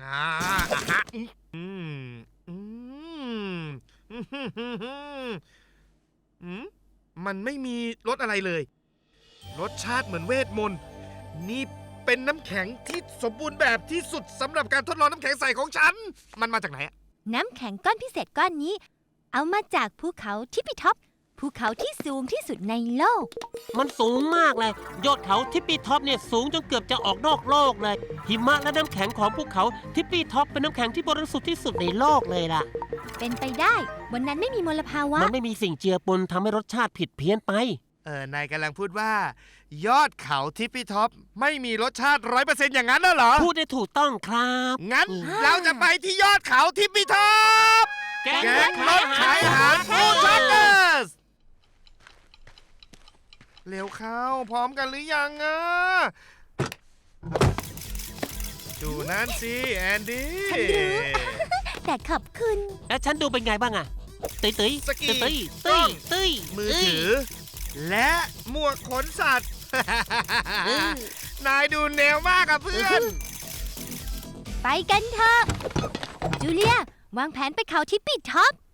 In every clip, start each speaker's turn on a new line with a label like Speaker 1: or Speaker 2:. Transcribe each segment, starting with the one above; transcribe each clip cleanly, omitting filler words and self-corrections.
Speaker 1: อ่าฮะอืมอืมอืมมันไม่มีรสอะไรเลย รสชาติเหมือนเวทมนต์นี่เป็นน้ำแข็งที่สมบูรณ์แบบที่สุดสำหรับการทดลองน้ำแข็งใสของฉัน มันมาจากไหนอะ
Speaker 2: น้ำแข็งก้อนพิเศษก้อนนี้ เอามาจากภูเขาทิปปีท็อปภูเขาที่สูงที่สุดในโลก
Speaker 3: มันสูงมากเลยยอดเขาทิปปี้ท็อปเนี่ยสูงจนเกือบจะออกนอกโลกเลยหิมะและน้ำแข็งของภูเขาทิปปี้ท็อปเป็นน้ำแข็งที่บริสุทธิ์ที่สุดในโลกเลยล่ะ
Speaker 2: เป็นไปได้บนนั้นไม่มีมลภาวะ
Speaker 3: มันไม่มีสิ่งเจือปนทำให้รสชาติผิดเพี้ยนไป
Speaker 1: นายกำลังพูดว่า ยอดเขาทิปปี้ท็อปไม่มีรสชาติ100%อย่างนั้นน่ะเหรอ
Speaker 3: พูดได้ถูกต้องครับ
Speaker 1: งั้นเราจะไปที่ยอดเขาทิปปี้ท็อป
Speaker 3: แกง
Speaker 1: แก๊งรถขายอาหารฟู้ดทรัคเกอร์สเร็วเข้าพร้อมกันหรือยังอ่ะดูนั่นสิแอนดี้
Speaker 2: ฉันรู้ แต่ขอบคุณ
Speaker 3: แล้วฉันดูเป็นไงบ้างอะตุ้ยตุ้ย
Speaker 1: สกี
Speaker 3: ตุ้ย
Speaker 1: กล้
Speaker 3: ตุ้
Speaker 1: อย ง
Speaker 3: ตุ้ย
Speaker 1: มือถือ และหมวกขนสัตว์ นายดูแนวมากอะเพื่อน
Speaker 2: ไปกันเถอะ จูเลียวางแผนไปเขาทิปปีท็อป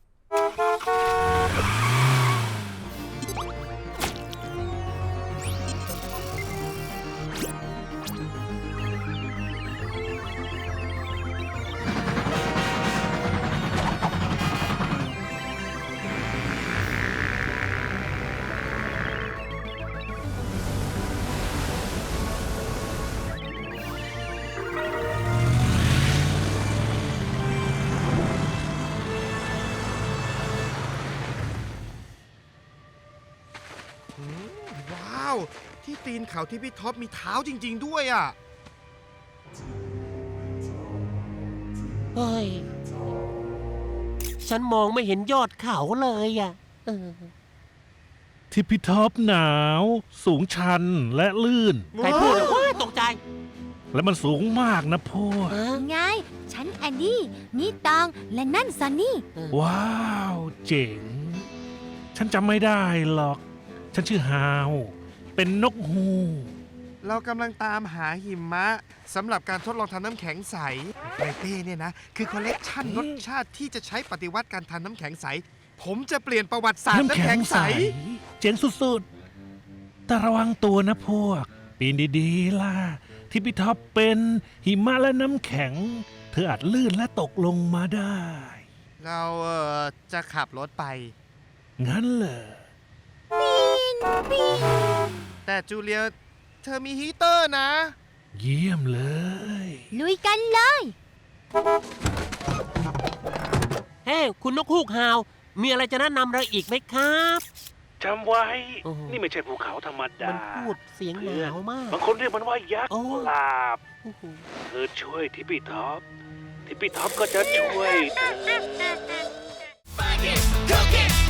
Speaker 1: ว้าว ที่ตีนเขาที่พี่ท็อปมีเท้าจริง ๆ ด้วยอ่ะ
Speaker 3: เฮ้ยฉันมองไม่เห็นยอดเขาเลยอะเออ
Speaker 4: ทิปปีท็อปหนาว สูงชันและลื่น
Speaker 3: ใครพูดอะว้ายตกใจ
Speaker 4: และมันสูงมากนะพวก
Speaker 3: เออ
Speaker 2: ไง ฉันแอนดี้ นี่ตอง และนั่นซันนี่
Speaker 4: ว้าว เจ๋ง ฉันจำไม่ได้หรอก ฉันชื่อฮาว เป็นนกฮูก
Speaker 1: เรากำลังตามหาหิมะสำหรับการทดลองทำน้ำแข็งใสในเป้เนี่ยนะ คือคอลเลกชันรสชาติที่จะใช้ปฏิวัติการทำน้ำแข็งใส ผมจะเปลี่ยนประวัติศาสตร์น้ำแข็งใส
Speaker 4: เจ๋งสุดๆ แต่ระวังตัวนะพวก ปีนดีๆล่ะ ทิปปีท็อปเป็นหิมะและน้ำแข็ง เธออาจลื่นและตกลงมาได้
Speaker 1: เราจะขับรถไป
Speaker 4: งั้นเหรอ
Speaker 1: แต่จูเลียเธอมีฮีเตอร์นะ
Speaker 4: เยี่ยมเลย
Speaker 2: ลุยกันเลย
Speaker 3: เฮ้คุณนกฮูกฮาว มีอะไรจะแนะนำเราอีกไหมครับ
Speaker 4: จำไว้
Speaker 3: โอ้โห
Speaker 4: นี่ไม่ใช่ภูเขาธรรมดา
Speaker 3: มันพูดเสียงหนาวมาก
Speaker 4: บางคนเรียกมันว่ายักษ์
Speaker 3: โอ้
Speaker 4: กุหลาบ
Speaker 3: โอ้โห
Speaker 4: เธอช่วยทิปปี้ท็อป ทิปปี้ท็อปก็จะช่วยเธอ
Speaker 5: Cook it,